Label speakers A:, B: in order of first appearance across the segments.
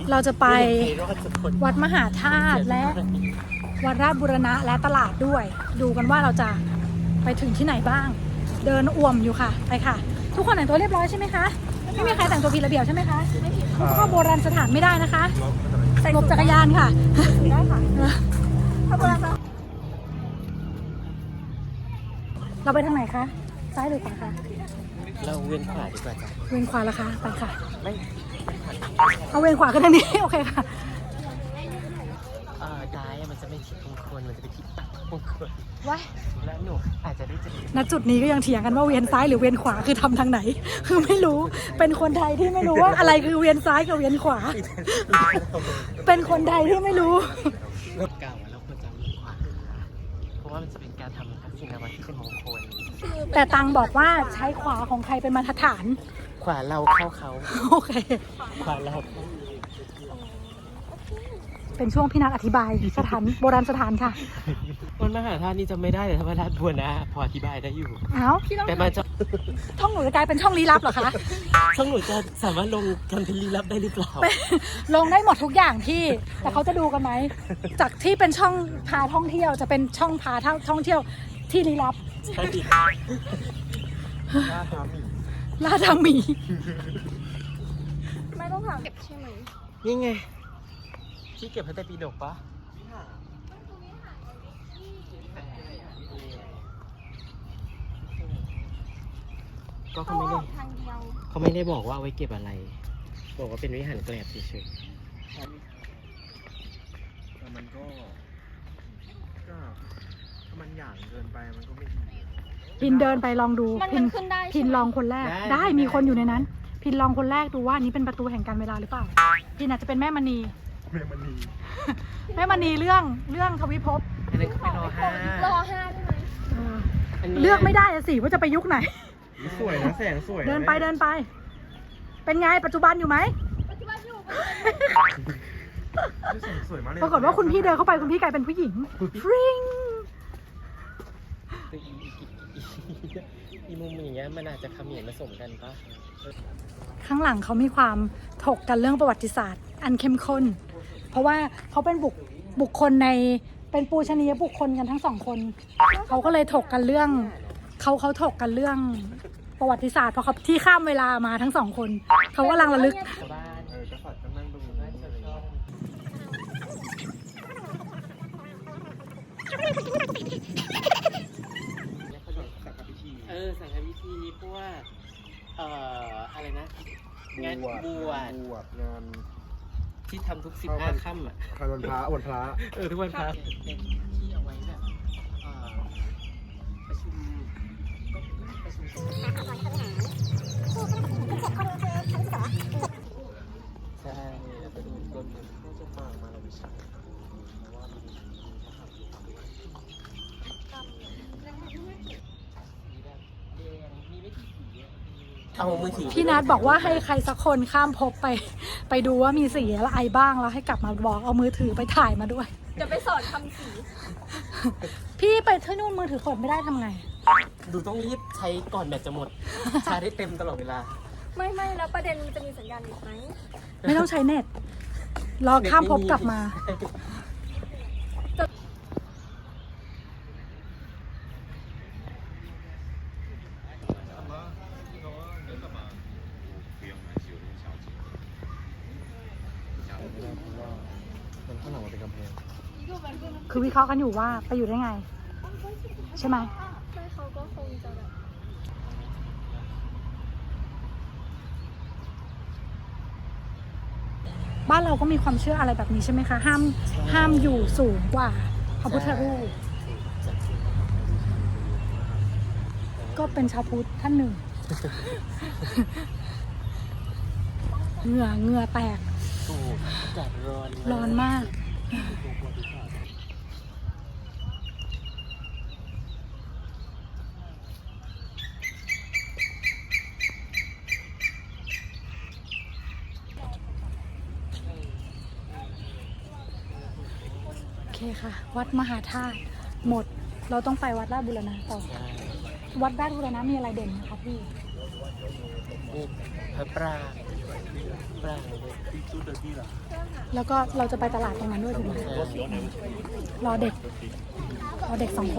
A: เราจะไปวัดมหาธาตุและวัดราชบูรณะและตลาดด้วย ดูกันว่าเราจะไปถึงที่ไหนบ้าง เดินอ่วมอยู่ค่ะไปค่ะ ทุกคนแต่งตัวเรียบร้อยใช่ไหมคะไม่มีใครแต่งตัวผิดระเบียบใช่ไหมคะไม่ผิดเข้าโบราณสถานไม่ได้นะคะหลบจักรยานค่ะได้ค่ะเข้าโบราณสถานเราไปทางไหนคะซ้ายหรือขวาคะ
B: เราเวียนขวาดีกว่าจ้ะ
A: เวียนขวาละคะไปค่ะ
B: ไม่
A: เอาเวียนขวากันทางนี้โอเคค่ะ
B: ซ้ายมันจะไม่ทิศมงคลมันจะเป็นทิศปักมงคล
A: ว้า
B: แล้วหนูอาจจะได้เจอ
A: ณจุดนี้ก็ยังเถียงกันว่าเวียนซ้ายหรือเวียนขวาคือทำทางไหนคือไม่รู้เป็นคนไทยที่ไม่รู้ว่าอะไรคือเวียนซ้ายกับเวียนขวาเป็นคนไทยที่ไม่รู้
B: รถเก่าแล้วควรจะเวียนขวาเพราะว่ามันจะเป็นการทำทักษิณวัตรที่เป็นมงคล
A: แต่ตังบอกว่าใช้ขวาของใครเป็นมาตรฐาน
B: ขวาเราเข้าเขา
A: โอเค
B: ขวาเรา
A: เป็นช่วงพี่นัทอธิบายสถานโบราณสถานค่ะ
B: วันมหาธาตุนี่จำไม่ได้แต่ธรรมราชบัวนะพออธิบายได้อยู่
A: อ้าว
B: แต่มาจะ
A: ช่องหนูจะกลายเป็นช่องลี้ลับเหรอคะ
B: ช่องหนูจะสามารถลงคอนเทนต์ลี้ลับได้หรือเปล่า
A: ลงได้หมดทุกอย่างที่แต่เขาจะดูกันไหมจากที่เป็นช่องพาท่องเที่ยวจะเป็นช่องพาท่องเที่ยวที่ลี้ลับ
B: ใช่
A: ล่าทามี
C: ไม่ต้องถามเก็บใช่ไหม
B: นี่ไงที่เก็บพระไตรปิฎกปะก็เขาไม่ได้บอกว่าเอาไว้เก็บอะไรบอกว่าเป็นวิหารแกลบเฉยๆ
D: แต่มันก็ถ้ามันหย่างเกินไปมันก็ไม่ดี
A: พินเดินไปลองดู
C: มันขึ้นได้
A: พินลองคนแรกได้มีคนอยู่ในนั้นพินลองคนแรกดูว่านี้เป็นประตูแห่งการเวลาหรือเปล่าพินอาจจะเป็นแม่มณี
D: แม่ม
A: ณีเรื่องทวิภพ
B: อันนั้นก็ไปรอห้า
C: ใช่ไหม
A: เลือกไม่ได้สิว่าจะไปยุคไหน
D: สวยนะแสงสวย
A: เดินไปเป็นไงปัจจุบันอยู่ไหม
C: ปัจจุบันอยู่
D: สวยมากเลย
A: ปรากฏว่าคุณพี่เดินเข้าไปคุณพี่กลายเป็นผู้หญิงฟริง
B: อีมุมอย่างเงี้ยมันอาจจะเขมีผสมกันปะ
A: ข้างหลังเขามีความถกกันเรื่องประวัติศาสตร์อันเข้มข้นเพราะว่าเขาเป็นบุคคลในเป็นปูชนียบุคคลกันทั้งสองคนเขาก็เลยถกกันเรื่องเขาถกกันเรื่องประวัติศาสตร์เพราะเขาที่ข้ามเวลามาทั้งสองคนเขากำลังระลึก
D: จะฝัดกันนั่งดูได้เฉย
B: สังฆพิธีเพราะว่าอะไรนะงานบวช
D: งาน
B: ที่ทำทุก15 ค่ำอ่ะ
D: วันพระ
B: ทุกวันพระเป็นที่เอาไว้แบบประชุมใช่ไปดูต้นน่าจะต่างมาเราไม่ใช่เอามือถือ
A: พี่นัทบอกว่าให้ใครสักคนข้ามภพไปดูว่ามีสีอะไรบ้างแล้วให้กลับมาบอกเอามือถือไปถ่ายมาด้วย
C: จะไปสอนทำสี
A: พี่ไปที่นู่นมือถือกดไม่ได้ทำไง
B: ดูต้องรีบใช้ก่อนแบตจะหมดชาร์จได้เต็มตลอดเวลา
C: ไม่แล้วประเด็นจะมีสัญญาณอีกไหม
A: ไม่ต้องใช้เน็ตรอข้ามภพกลับมา
D: ข้างหลังมันเป็นกำแพง
A: คือวิเคราะห์กันอยู่ว่าไปอยู่ได้ไงใช่ไหม
C: เขาก็คงจะแบบ
A: บ้านเราก็มีความเชื่ออะไรแบบนี้ใช่ไหมคะห้ามอยู่สูงกว่าพระพุทธรูปก็เป็นชาวพุทธท่านหนึ่งเหงื่อแตก
B: อากาศ
A: ร้อนมากโอเคค่ะวัดมหาธาตุหมดเราต้องไปวัดราชบูรณะต่อวัดราชบูรณะมีอะไรเด่นนะคะพี่
B: พระปรางปลาเลย
A: แล้วก็เราจะไปตลาดตรงนั้นด้วยถูกไหมรอเด็ก 2 คน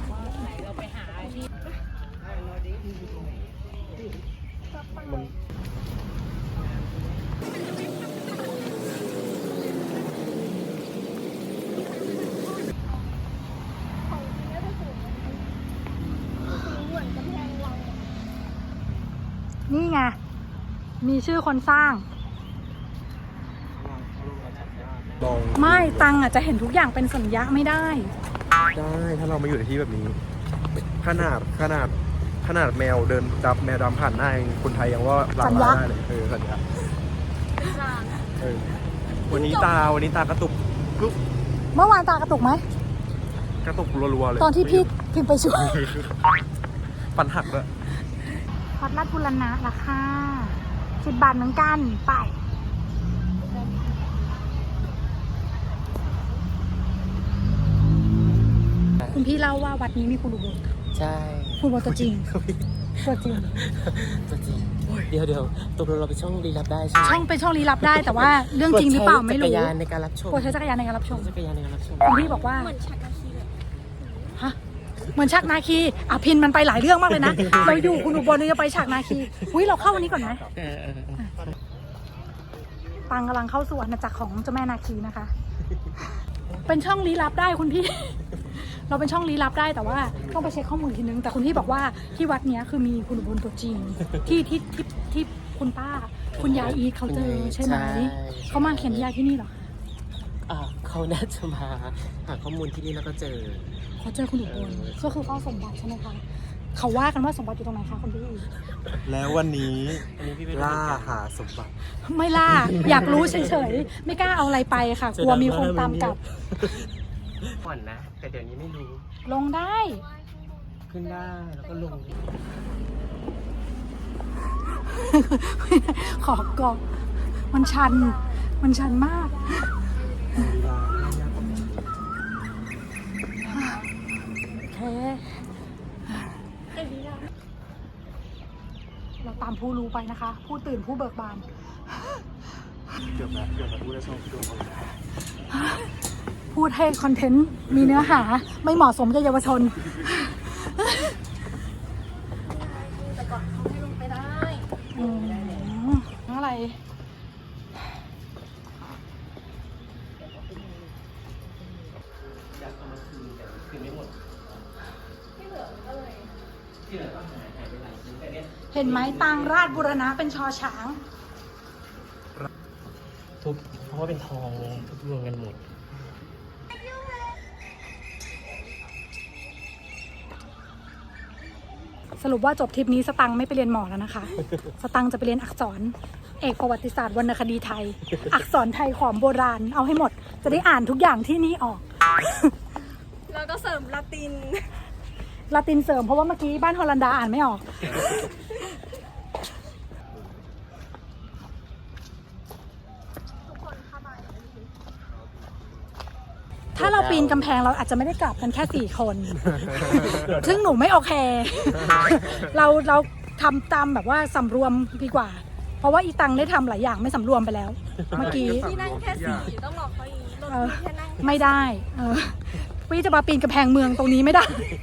C: ของจริงก็จะสูงเหมือนกำแพงวัง
A: นี่ไง มีชื่อคนสร้าง
D: ลอง
A: ไม่ตังอ่ะจะเห็นทุกอย่างเป็นสัญญาไม่ได้
D: ได้ถ้าเรามาอยู่ในที่แบบนี้ ขนาดแมวเดินจับแมวดำผ่านหน้าเองคนไทยยังว่าหลังได้เลยสัญญาวันนี้ตากระตุกปุ๊บ
A: เมื่อวานตากระตุกไหม
D: กระตุกรัวๆเลย
A: ตอนที่พี่พิมพ์ไปช่วย
D: ฟันหักเลย
A: วัดราชบุรณะราคา10 บาทเหมือนกันไปคุณพี่เล่าว่าวัดนี้มีคุณอุบล
B: ใช่
A: คุณอุบลตัวจริง ตัวจริง
B: ตัวจริงเดี๋ยวตกลงเราไปช่องรีลับได้ใช่ไหม
A: ช่องเป็นช่องลี้ลับได้แต่ว่าเรื่องจริงหรือเปล่าไม่รู้
B: กดใช้จักรยานในการรับชม
A: กดใช้จักรยานในการรับชม
B: จักรยานในการรับชม
A: คุณพี่บอกว่า
C: เหมือนชักนาคีเลย
A: ฮะเหมือนฉากนาคีอ่ะพินมันไปหลายเรื่องมากเลยนะ เราอยู่คุณอุบลเราจะไปฉากนาคีอุ้ยเราเข้าวันนี้ก่อนไหมปังกำลังเข้าสู่อาณาจักรของเจ้าแม่นาคีนะคะ เป็นช่องลี้ลับได้คุณพี่ เราเป็นช่องลี้ลับได้แต่ว่าต้องไปเช็คข้อมูลทีนึงแต่คุณพี่บอกว่าที่วัดเนี้ยคือมีคุณอุบลตัวจริงที่คุณป้าคุณยายอีทเขาเจอใช่ไหมเขามาเขียนนิยายที่นี่เหรอ
B: เขาน่าจะมาหาข้อมูลที่นี่แล้วก็เจอ
A: เขาเจอคุณอุบลก็คือเฝ้าสมบัติใช่ไหมคะเขาว่ากันว่าสมบัติอยู่ตรงไหนคะคุณพี่
D: แล้ววันนี้
B: อันนี้พี่ไม่รู้
D: ล่าหาสมบัติ
A: ไม่ล่า อยากรู้เฉยๆไม่กล้าเอาอะไรไปค่ะกลัวมีคนตามกลับ
B: ก่อนนะ แต่เดี๋ยวนี้ไม่รู้
A: ลงได้
B: ขึ้นได้แล้วก็ลง
A: ขอกอมันชันมากโอเคเราตามผู้รู้ไปนะคะ ผู้ตื่นผู้เบิกบาน
D: เกือบแล้วพูดได้ช่องพี่โดนเอา
A: พูดให้คอนเทนต์มีเนื้อหาไม่เหมาะสมกับเยาวชน
C: แต่ก่อนเขาให้ลงไปได้
A: อะไร
B: อยากเอามาคืนแต่คืนไม่หมดที่เหลือก็หายไปหลายชิ้นแต่เนี่ย
A: เห็นไหมตังราชบุรณะเป็นชอช้าง
B: ทุบเพราะว่าเป็นทองไงทุบรวมกันหมด
A: สรุปว่าจบทริปนี้สตังค์ไม่ไปเรียนหมอแล้วนะคะ สตังค์จะไปเรียนอักษร เอกประวัติศาสตร์วรรณคดีไทย อักษรไทยขอมโบราณเอาให้หมด จะได้อ่านทุกอย่างที่นี่ออก
C: แล้วก็เสริมละติน
A: ลาตินเสริมเพราะว่าเมื่อกี้บ้านฮอลันดาอ่านไม่ออก ถ้าเราปีนกำแพงเราอาจจะไม่ได้กลับกันแค่ 4 คน ซึ่งหนูไม่โอเค เราทำตามแบบว่าสำรวมดีกว่า เพราะว่าอีตังได้ทำหลายอย่างไม่สำรวมไปแล้ว เมื่อกี้
C: ที่นั่งแค่4ต้องบอกเขาอย่างนี้รถพี่แค่นั่ง
A: ไม่ได้พี่จะมาปีนกำแพงเมืองตรงนี้ไม่ได้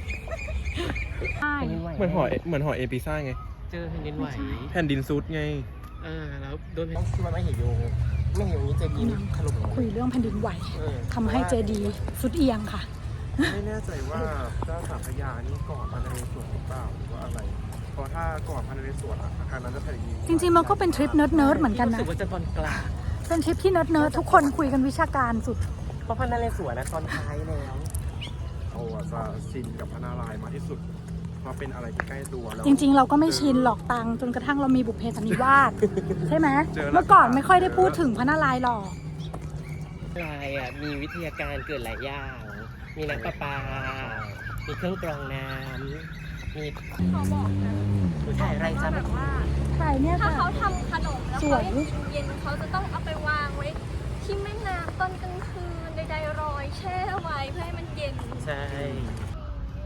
D: เหมือนหอเอพิซ่าไง
B: เจอแผ่นดินไหว
D: แผ่นดินซุดไง
B: แล้วโดนที่ว่าไม่เห็นอยู่นี้จะยินถล่มลง
A: คุยเรื่องแผ่นดินไหวทำให้เจดีย์สุดเอียงค่ะ
D: ไม่แน่ใจว่าเจ้าสามพระยานี่ก่อนพระนเรศวรหรือเปล่าหรือว่าอะไร เพราะถ้าก่อนพระนเรศวรอาคารนั้นจะแผ่นดิน
A: จริงๆมันก็เป็นทริปเนิร์ดๆเหมือนกัน
B: รู้
A: นะ
B: สึกว่าจะตอนกลาง
A: เป็นทริปที่เนิร์ดๆทุกคนคุยกันวิชาการสุด
B: เพราะพันนาเลสวนนะตอนท้ายแล้ว
D: เราจะชินกับพระนารายณ์มากที่สุดเพราะเป็นอะไรที่ใกล้ตัวแล้ว
A: จริงๆ เราก็ไม่ชินหรอกตังจนกระทั่งเรามีบุพเพสันนิวาสใช่ไหม
D: เจอแล้ว
A: เมื่อก่อนไม่ค่อยได้พูดถึงพระนารายณ์หรอก
B: ลายมีวิทยาการเกิดหลายอย่าง มีน้ำประปา มีเครื่องกรองน้ำ มี
C: เขาบอกนะ
B: ถ่ายไรจ้า
C: แบบว่า
A: ถ่ายเนี่ย
C: ถ้า
A: ค่ะ
C: เขาทำขนมแล้ว
A: ส
C: เขา
A: วย
C: เย็นเขาจะต้องเอาไปวางไว้ที่แม่น้ำตอนกลางคืนใดๆรอยแช่ไว้เพื่อให้มันเย็น
B: ใช่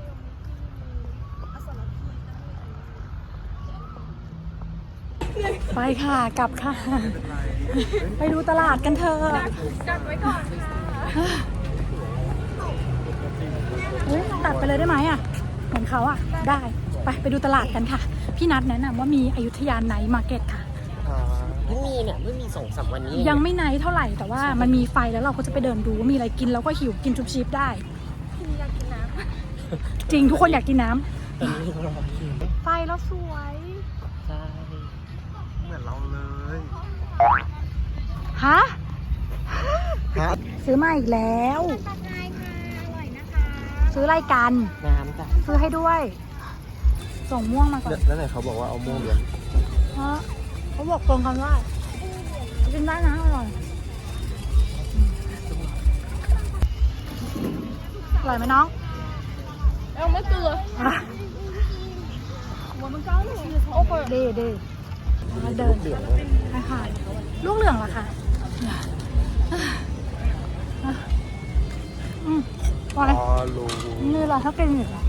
A: ไปไปค่ะกลับค่ะ ไปดูตลาดกันเถอะ
C: กันไว้ก่อนค่ะ
A: เฮ้ยตัดไปเลยได้ไหมอ่ะเหมือนเขาอ่ะได้ไปดูตลาดกันค่ะ พี่นัทแนะนำว่ามีอยุธยาไนท์มาร์เก็ตค่ะ
B: เพิ่งมีเนี่ยเพิ่งมี2-3 วันนี้
A: ยังไม่ไนท์เท่าไหร่แต่ว่ามันมีไฟแล้วเราก็จะไปเดินดูว่ามีอะไรกินแล้วก็หิวกินชุบชีพได้
C: พี่อยากกินน้
A: จริงทุกคนอยากกินน้
B: ตอนนี้รอคิว
A: ำไฟแล้วสวย
B: ใช่
D: เหมือนเราเลย
A: ฮะ
D: ครับ
A: ซื้อมาอีกแล้ว
C: ำตักไงค่ะอร่อยนะคะ
A: ซื้ออะไรกัน
B: น้ำจ้ะ
A: ซื้อให้ด้วย ส่งม่วงมาก่อน
D: แล้วไหนเขาบอกว่าเอาม่วงเดือน
A: เพราะเขาบอกตรงกันว่ากินได้นะอร่อยอร่อยไหมน้อง
C: เอาไม่เกลือหัวมันก้าวเลยโอ้โห
A: ดีดีแล้วเดิน
B: เหลืองเลย
A: ค่ะลูกเหลืองเหรอคะพอเลย
D: อ๋อรู้
A: นี่เราถ้าเป็นอีกเหรอ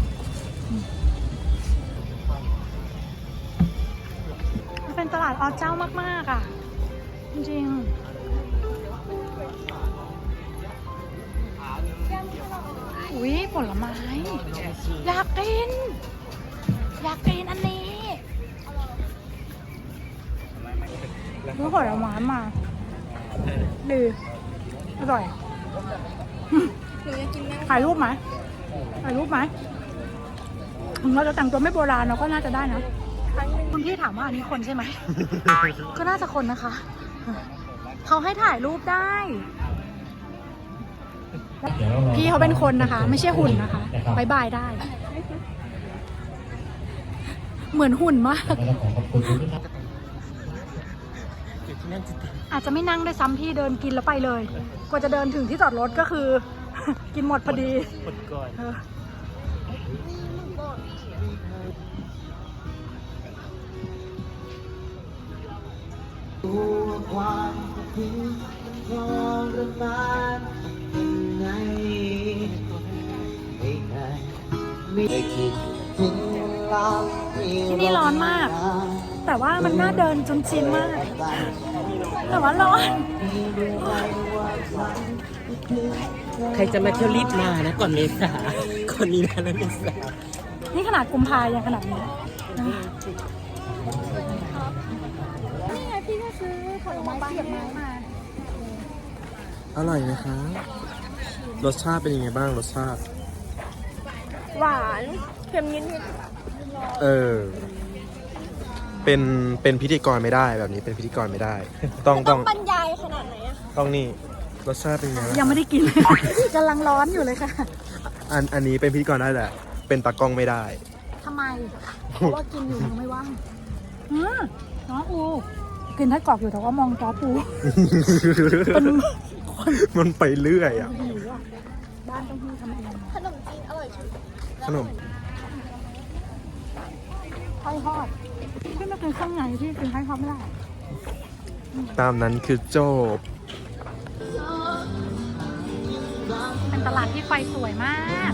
A: มันเป็นตลาดอเจ้ามากๆอ่ะ จริงๆอุ๊ยผลไม้ อยากกินอันนี้รู้ผลไม้มาดีอร่อย
C: หนูอยากกินน้ำ
A: ถ่ายรูปไหมถึงเราจะแต่งตัวไม่โบราณเราก็น่าจะได้นะ
C: ครั้งหนึ่ง
A: คุณพี่ถามว่าอันนี้คนใช่ไหม ก็น่าจะคนนะคะ เขาให้ถ่ายรูปได้ พี่เขาเป็นคนนะคะ ไม่ใช่หุ่นนะคะบายบายได้ เหมือนหุ่นมาก
B: อยู่ที่นั่นจะติด
A: อาจจะไม่นั่งได้วยซ้ำพี่เดินกินแล้วไปเลย กว่าจะเดินถึงที่จอดรถก็คือ กินหมดพอดี
B: หมดก่อน
A: เออที่นี่ร้อนมาก แต่ว่ามันน่าเดินจนชินมาก แต่ว่าร้อน
B: ใครจะมาเที่ยวรีบมานะก่อนเมษาก่อนนี้นะแล้วเมษา
A: นี่ขนาดกุมภายังขนาดนี้
C: นี่ไงพี่ก็ซื้อผลไม้เสียบไม้มา
D: อร่อยไหมคะรสชาติเป็นยังไงบ้างรสชาติ
C: หวานเค็มนิด
D: เออ เป็นพิธีกรไม่ได้แบบนี้เป็นพิธีกรไม่ได้ ต้อง
C: ๆ
D: ต้
C: ต้
D: อ
C: อง งบรรยายขนาดไหนอะ
D: ต้องนี่รสชาติเป็นยังไงบ้าง
A: ยังไม่ได้กิน กำลังร้อนอยู่เลยค่ะ
D: อันนี้เป็นพิธีกรได้แหละ เป็นตากล้องไม่ได้
A: ทำไม เพราะว่ากินอยู่ยังไม่ว่างน้องอูกินไส้กรอกอยู่แต่ว่ามองจอปู เป็นคน
D: มันไปเรื่อยอ่ะ
A: หิวอ่ะ บ้านต้องพี่ทำเอง
C: ขนมจีนอร่อยชุด
D: ขนม
A: ไส้ทอดพี่ไม่กินข้างในพี่กินไส้ทอดไม่ได้
D: ตามนั้นคือโจบ
A: เป็นตลาดที่ไฟสวยมาก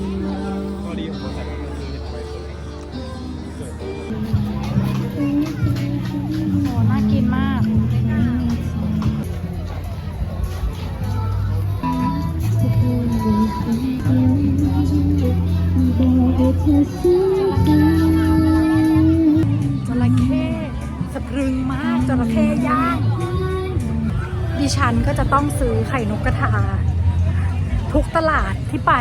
A: โอ้น่ากินมาก จระเข้สะพรึงมากจระเข้ย่าง ดิฉันก็จะต้องซื้อไข่นกกระทา ทุกตลาดที่ไป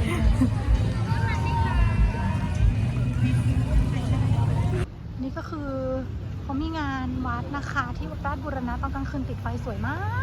A: นี่ก็คือเขามีงานวัดนะคะ ที่วัดราชบูรณะตอนกลางคืนติดไฟสวยมาก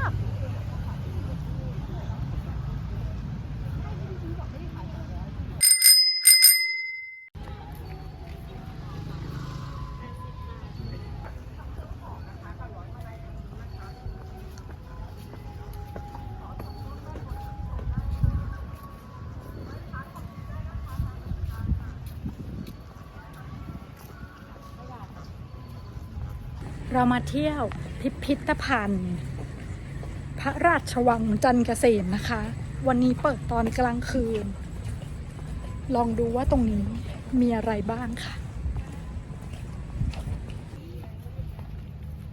A: เรามาเที่ยวพิพิธภัณฑ์ พระราชวังจันทร์เกษมนะคะ วันนี้เปิดตอนกลางคืน ลองดูว่าตรงนี้มีอะไรบ้างค่ะ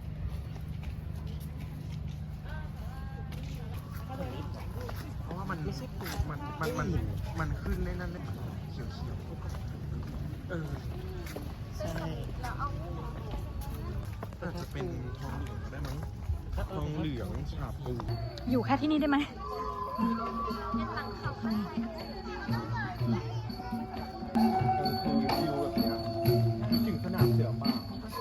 D: มันไม่ใช่มันขึ้นในนั้นเลยเขียว
B: ใช่
D: อาจจะเป็นทองเหลืองได้มั้งทองเหลืองฉาบปู
A: อยู่แค่ที่นี่ได้ไหม
C: เป็นหลังเขาข้างใน
D: คือวิวแบบเนี้ยคิดถึงสนามเสือป่า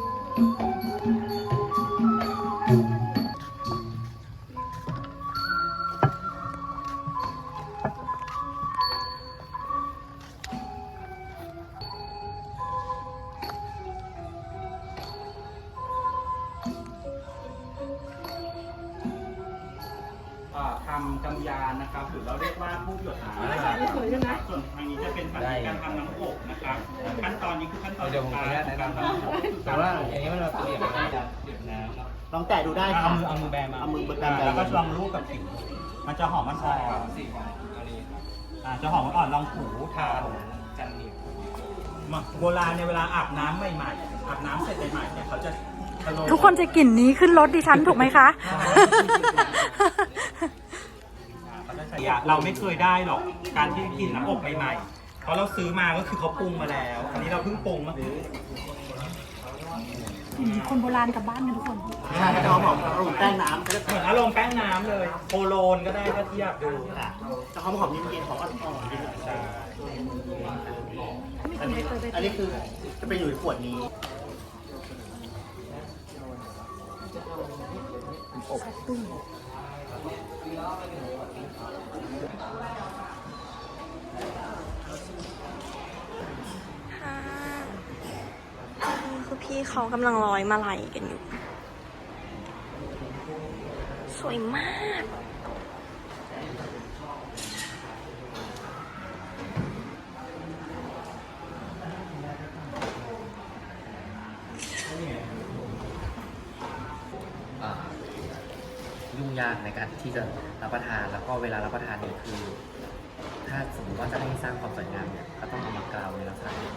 E: ทำกำยานนะครับหรือเราเรียกว่าผู้หยดน้ำส่วนทางนี้จะเป็นการทำน้ำอบนะครับขั้นตอนนี้คือขั้นตอน
B: เดี๋ยวผมขออนุญาตแนะนำนะแต่ว่าอย่างนี้มันเราเปลี่ยนเป็นการเปลี่ยนน้ำเนาะ
E: ลองแตะดูได้ครับ
B: เอามือแบมา
E: เอามือแบแล้วก็ลองลูบกับผิวมันจะหอมมันอ่อน
B: สีของอันนี้ครับ
E: จะหอมมันอ่อนลองถูทา
B: ของจันเหนียว
E: โบราณในเวลาอาบน้ำใหม่ๆอาบน้ำเสร็จใหม่ๆเนี่ยเขาจะ
A: ทุกคนจะกลิ่นนี้ขึ้นรถดิฉันถูกไหมคะ
E: เราไม่เคยได้หรอกการที่กินน้ำอบใหม่ๆเพราะเราซื้อมาก็คือเขาปรุงมาแล้ว อันนี้เราเพิ่งปรุงมา
A: คนโบราณกลับบ้านนะทุกคน
E: ใช่เขาบอกอารมณ์แป้งน้ำเหมือนอารมณ์แป้งน้ำเลยโคโลนก็ได้ถ้าเทียบดูแต่เขาหอมเย็นๆของอ่อนๆใช่อันนี้คือจะเป็นอยู่ในขวดนี้
C: ค่ะคือพี่เขากำลังร้อยมาลัยกันอยู่ สวยมาก
B: ยุ่งยากในการที่จะรับประทานแล้วก็เวลารับประทานเนี่ยคือ ถ้าสมมติว่าจะให้สร้างความสวยงามเนี่ยก็ต้องเอามากราวในลักษณะนี้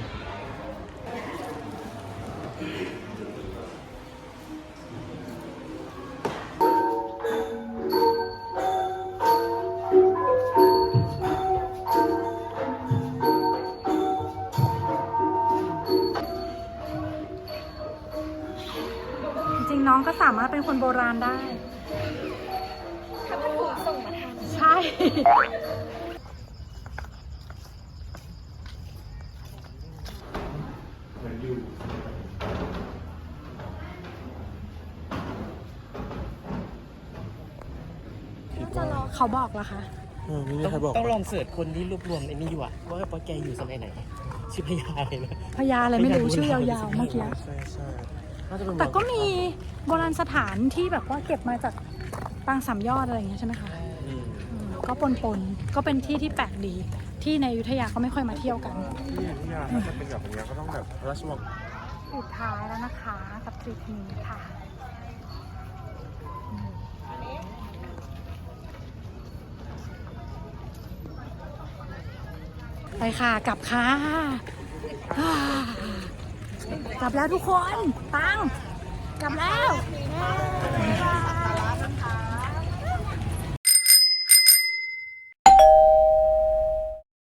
A: จริงๆน้องก็สามารถเป็นคนโบราณได้
C: ถ้าพัดถูกส่งมาทาง
A: ใช่
C: จะรอ
A: เขาบอกเหรอคะ
D: ไม่มีใครบอก
B: ต้องลองเสิร์ชคนที่รวบรวมไอ้นี่อยู่อะว่าป้าแกอยู่สมัยไหนชื่อพญาอะไรนะ
A: พญาอะไรไม่รู้ชื่อยาวๆเมื่อกี้
D: ใช่
B: น่าจะเป็น
A: แต่ก็มีโบราณสถานที่แบบว่าเก็บมาจากปางสามยอดอะไรอย่างเงี้ยใช่ไหมคะก็ปนๆก็เป็นที่ที่แปลกดี ที่ในอยุธยาเขาไม่ค่อยมาเที่ยวกัน
D: ที่อยุธยาถ้าจะเป็นแบบนี้ก็ต้องแบบพระราชวัง
A: สุดท้ายแล้วนะคะกับทริปนี้ค่ะ ไปค่ะกลับค่ะกลับแล้วทุกคนปังกลับแล้ว